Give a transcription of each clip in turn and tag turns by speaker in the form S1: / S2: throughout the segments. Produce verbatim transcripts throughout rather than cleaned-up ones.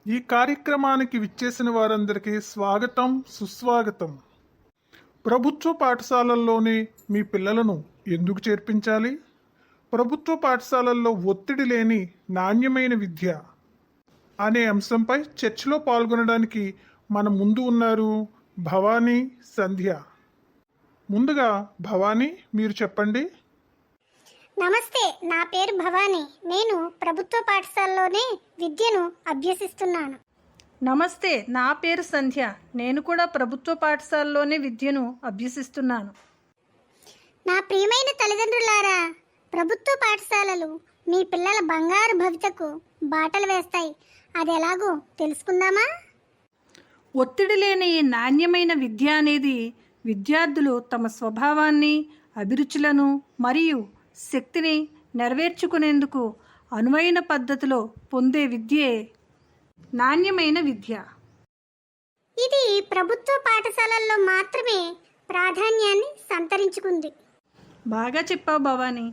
S1: ఈ కార్యక్రమానికి విచ్చేసిన వారందరికీ స్వాగతం, సుస్వాగతం. ప్రభుత్వ పాఠశాలల్లోనే మీ పిల్లలను ఎందుకు చేర్పించాలి? ప్రభుత్వ పాఠశాలల్లో ఒత్తిడి లేని నాణ్యమైన విద్య అనే అంశంపై చర్చలో పాల్గొనడానికి మన ముందు ఉన్నారు భవానీ, సంధ్య. ముందుగా భవానీ, మీరు చెప్పండి.
S2: నమస్తే, నా పేరు భవానీ. నేను ప్రభుత్వ పాఠశాలలోనే విద్యను అభ్యసిస్తున్నాను.
S3: నమస్తే, నా పేరు సంధ్య. నేను కూడా ప్రభుత్వ పాఠశాలలోనే విద్యను అభ్యసిస్తున్నాను.
S2: నా ప్రియమైన తల్లిదండ్రులారా, ప్రభుత్వ పాఠశాలలు మీ పిల్లల బంగారు భవితకు బాటలు వేస్తాయి. అది ఎలాగో తెలుసుకుందామా?
S3: ఒత్తిడి లేని నాణ్యమైన విద్య అనేది విద్యార్థులు తమ స్వభావాన్ని, అభిరుచులను మరియు శక్తిని నెరవేర్చుకునేందుకు అనువైన పద్ధతిలో పొందే విద్యే నాణ్యమైన విద్య.
S2: ఇది ప్రభుత్వ పాఠశాలల్లో మాత్రమే ప్రాధాన్యాన్ని సంతరించుకుంది.
S3: బాగా చెప్పావు భవానీ.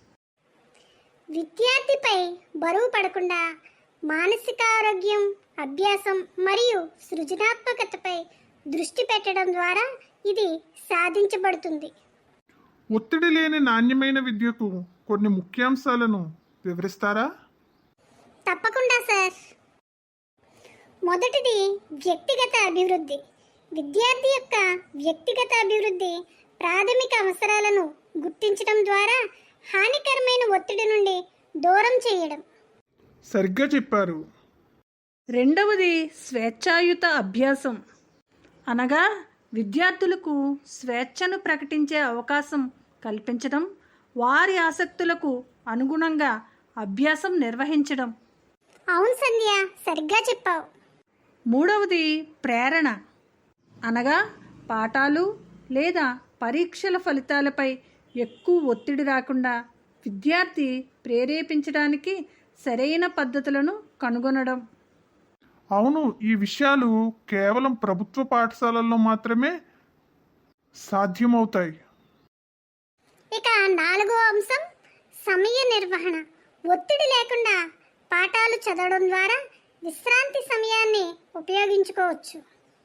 S2: విద్యార్థిపై బరువు పడకుండా మానసిక ఆరోగ్యం, అభ్యాసం మరియు సృజనాత్మకతపై దృష్టి పెట్టడం ద్వారా ఇది సాధించబడుతుంది.
S1: ఒత్తిడి లేని నాణ్యమైన విద్యకు కొన్ని ముఖ్యాంశాలను వివరిస్తారా?
S2: తప్పకుండా సార్. మొదటిది వ్యక్తిగత అభివృద్ధి. విద్యార్థి యొక్క వ్యక్తిగత అభివృద్ధి ప్రాథమిక అవసరాలను గుర్తించడం ద్వారా హానికరమైన ఒత్తిడి నుండి దూరం చేయడం.
S1: సరిగ్గా చెప్పారు.
S3: రెండవది స్వేచ్ఛాయుత అభ్యాసం, అనగా విద్యార్థులకు స్వేచ్ఛను ప్రకటించే అవకాశం కల్పించడం, వారి ఆసక్తులకు అనుగుణంగా అభ్యాసం నిర్వహించడం.
S2: అవును సంధ్య, సరిగ్గా చెప్పావు.
S3: మూడవది ప్రేరణ, అనగా పాఠాలు లేదా పరీక్షల ఫలితాలపై ఎక్కువ ఒత్తిడి రాకుండా విద్యార్థి ప్రేరేపించడానికి సరైన పద్ధతులను కనుగొనడం.
S1: అవును, ఈ విషయాలు కేవలం ప్రభుత్వ పాఠశాలల్లో మాత్రమే సాధ్యమవుతాయి.
S2: ఇక నాలుగో అంశం సమయ నిర్వహణ. ఒత్తిడి లేకుండా పాఠాలు చదవడం ద్వారా విశ్రాంతి సమయాన్ని ఉపయోగించుకోవచ్చు.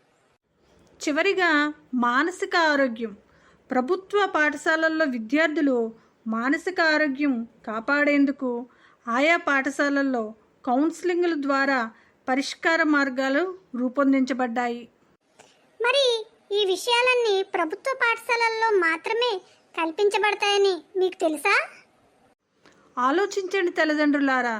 S3: చివరిగా మానసిక ఆరోగ్యం. ప్రభుత్వ పాఠశాలల్లో విద్యార్థులు మానసిక ఆరోగ్యం కాపాడేందుకు ఆయా పాఠశాలల్లో కౌన్సిలింగ్ల ద్వారా పరిష్కార మార్గాలు రూపొందించబడ్డాయి.
S2: మరి ఈ విషయాలన్నీ ప్రభుత్వ పాఠశాలల్లో మాత్రమే కల్పించబడతాయని మీకు తెలుసా?
S3: ఆలోచించండి తల్లిదండ్రులారా.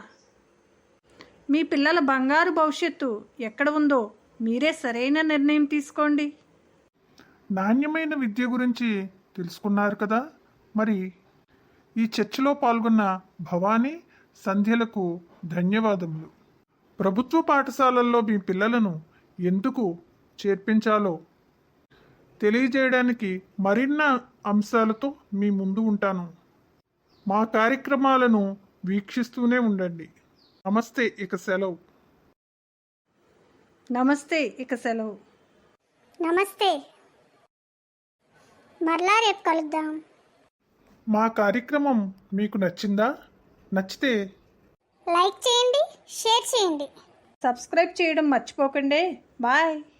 S3: మీ పిల్లల బంగారు భవిష్యత్తు ఎక్కడ ఉందో మీరే సరైన నిర్ణయం తీసుకోండి.
S1: నాణ్యమైన విద్య గురించి తెలుసుకున్నారు కదా. మరి ఈ చర్చలో పాల్గొన్న భవానీ, సంధ్యలకు ధన్యవాదములు. ప్రభుత్వ పాఠశాలల్లో మీ పిల్లలను ఎందుకు చేర్పించాలో తెలియజేయడానికి మరిన్ని అంశాలతో మీ ముందు ఉంటాను. మా కార్యక్రమాలను వీక్షిస్తూనే ఉండండి. నమస్తే, ఇక సెలవు.
S3: నమస్తే, ఇక సెలవు.
S2: నమస్తే, మరలా రేపు కలుద్దాం.
S1: మా కార్యక్రమం మీకు నచ్చిందా? నచ్చితే
S2: లైక్ చేయండి, షేర్ చేయండి.
S3: సబ్స్క్రైబ్ చేయడం మర్చిపోకండి. బాయ్.